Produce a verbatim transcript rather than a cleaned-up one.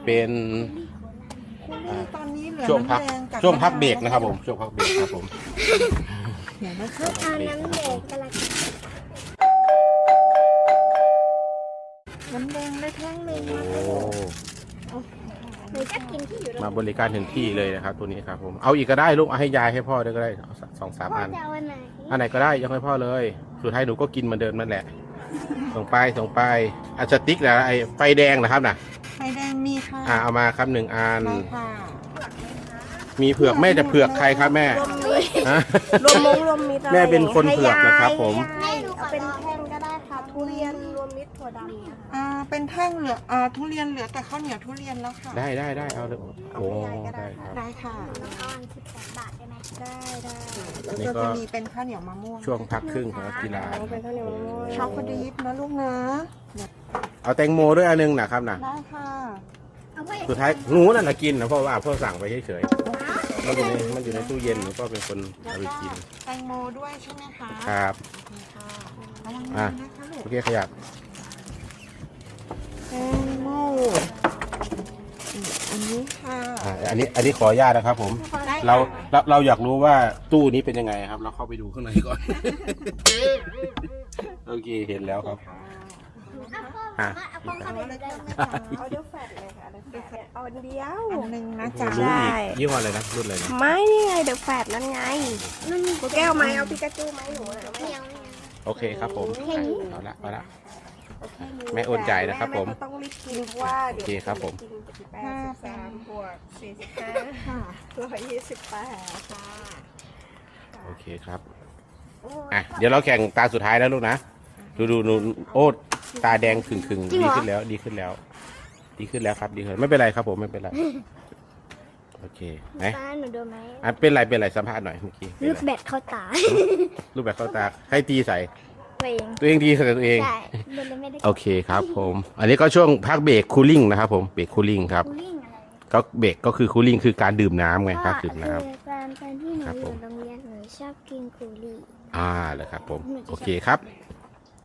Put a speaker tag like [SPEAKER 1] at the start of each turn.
[SPEAKER 1] เป็น
[SPEAKER 2] ตอนนี้เหลือ
[SPEAKER 1] ช่วงพัก
[SPEAKER 2] น้ำแดงบ
[SPEAKER 1] ช่วงพักเบรกนะครับผมช่วงพักเบรกครับผม
[SPEAKER 2] เดี๋ยวนะคะ
[SPEAKER 3] เอาน้ำแดงกระลัง
[SPEAKER 2] น้ำแดงได้แท่งหนึ่ง
[SPEAKER 1] โอ้
[SPEAKER 3] หนูจะกินที่อยู่
[SPEAKER 1] มาบริการถึงที่เลยนะครับตัวนี้ครับผมเอาอีกก็ได้ลูกเอาให้ยายให้พ่อด้วยก็ได้เอาสักสองสาม
[SPEAKER 3] พ่อ
[SPEAKER 1] อัน
[SPEAKER 3] จะเอาอันไหน
[SPEAKER 1] อันไหนก็ได้ยังให้พ่อเลยสุดท้ายหนูก็กินเหมือนเดิมนั่นแหละส่งไปส่งไปอันสติ๊กนะไอไฟแดงนะครับนะ
[SPEAKER 2] ไข่แดงมีค่ะ
[SPEAKER 1] อ่าเอามาครับหนึ่งอัน
[SPEAKER 2] ได้ค่ะ
[SPEAKER 1] มีเผือกแม่จะเผือกใครครับแม่ฮะ
[SPEAKER 4] รวมมงรวมมิตรอะไร
[SPEAKER 1] แม่เป็นคนเผือกนะครับผม
[SPEAKER 3] ให้หนูขอ
[SPEAKER 4] เป็น
[SPEAKER 3] ลอง
[SPEAKER 4] แท่งก็ได้ค่ะทุเรียนรวมมิตรถั่วดำนะคะ
[SPEAKER 2] อ่าเป็นแท่งเหลืออ่าทุเรียนเหลือแต่ข้าวเหนียวทุเรียนแล้วค่ะ
[SPEAKER 1] ได้ได้ได้เอาเลยโอ้ได้ครับ
[SPEAKER 2] ได้ค่ะ
[SPEAKER 3] เอาอันสิบแปดบาทได้ไหม
[SPEAKER 4] ได้ได้
[SPEAKER 2] แล้ว
[SPEAKER 1] นี่
[SPEAKER 2] ก็
[SPEAKER 1] ก็
[SPEAKER 2] จะมีเป็นข้าวเหนียวมะม่วง
[SPEAKER 1] ช่วงพักครึ่งของกีฬา
[SPEAKER 4] เอาเป็นข้าวเหนียวมะม่วง
[SPEAKER 2] ช็อกโกแลตนะลูกนะ
[SPEAKER 1] เอาแตงโมด้วยอันนึงนะครับนะ
[SPEAKER 2] ได้ค่ะ
[SPEAKER 3] เอาไว้
[SPEAKER 1] สุดท้ายหนูนั่นแหละกินนะเพราะว่าพ่อสั่งไปเฉยๆมันอยู่ในมันอยู่ในตู้เย็นหนูก็เป็นคนเอาไปกิน
[SPEAKER 2] แตงโมด้วยใช่ไหมคะ
[SPEAKER 1] ครับ
[SPEAKER 2] โอเคค่ะระวัง
[SPEAKER 1] อ่ะ
[SPEAKER 2] มือนะคะลูก
[SPEAKER 1] โอเคขยับ
[SPEAKER 2] แตงโมอืมอันนี้ค่ะ
[SPEAKER 1] อ่าอันนี้อันนี้ขออนุญาตนะครับผม
[SPEAKER 2] ได้
[SPEAKER 1] เราเราเราอยากรู้ว่าตู้นี้เป็นยังไงครับ เราเข้าไปดูข้างในก่อน โอเคเห็นแล้วครับ
[SPEAKER 3] เอาพ่อเอาพ่อเข้าไปเลยได้ไหม
[SPEAKER 4] เอาเดี๋ยวแฟดเลยค่ะเดี๋ยวแฟดเนี่ยเอาอันเดียว
[SPEAKER 2] อันหนึ่งนะจ๊ะ
[SPEAKER 1] รุ่นอีกยี่ห้ออะไรนะรุ่นอะไรนะ
[SPEAKER 4] ไม่นี่ไงเดี๋ยวแฟดนั่นไงตัวแก้วไหมเอาปิกาจูไหมหนูอะ
[SPEAKER 3] เหนียว
[SPEAKER 1] โอเคครับผมอ่ะเอาละเอาละแม่โอนจ่ายนะครับผม
[SPEAKER 4] แก็ต้องรีบกินเพราะว่าเดี๋ยว
[SPEAKER 1] โอเคครับผม
[SPEAKER 4] กินแปดสิบสามบวกสี่สิบห้า
[SPEAKER 2] ค่ะ
[SPEAKER 4] ร้อยยี่สิบแปดค่ะ
[SPEAKER 1] โอเคครับอ่ะเดี๋ยวเราแข่งตาสุดท้ายแล้วลูกนะดูดูดูโอ้ตาแดงขึงขึงๆดีขึ้นแล้ว ดีขึ้นแล้ว ดีขึ้นแล้วครับดีขึ้นไม่เป็นไรครับผมไม่เป็นไรโอเคไหน
[SPEAKER 3] ป้าหนูโดนไหม
[SPEAKER 1] อ่ะเป็นไรเป็นไรสัมภาษณ์หน่อยเมื่อกี้เป็น
[SPEAKER 3] ลูก
[SPEAKER 1] ไร
[SPEAKER 3] แบตเข้าตา
[SPEAKER 1] รูปแบบเข้าตาให้ตีใส่
[SPEAKER 3] ตัวเอง
[SPEAKER 1] ตัวเองดีใส่ตัวเอง
[SPEAKER 3] ใช่โดนเลยไม่ได้
[SPEAKER 1] โอเคครับผม อันนี้ก็ช่วงพักเบรกคูลิ่งนะครับผมเบรกคูลิ่งครับ
[SPEAKER 3] คูลิ่งอะไร
[SPEAKER 1] ก็เบรกก็คือคูลิ่งคือการดื่มน้ำไงครับดื่มน้
[SPEAKER 3] คือตอนตอนที่หนู
[SPEAKER 1] ครับ
[SPEAKER 3] อ
[SPEAKER 1] ผ
[SPEAKER 3] ยู่
[SPEAKER 1] ม
[SPEAKER 3] โรงเรียนหนูชอบกินคูลิ่ง
[SPEAKER 1] ำอ่าเลยครับผมโอเคครับ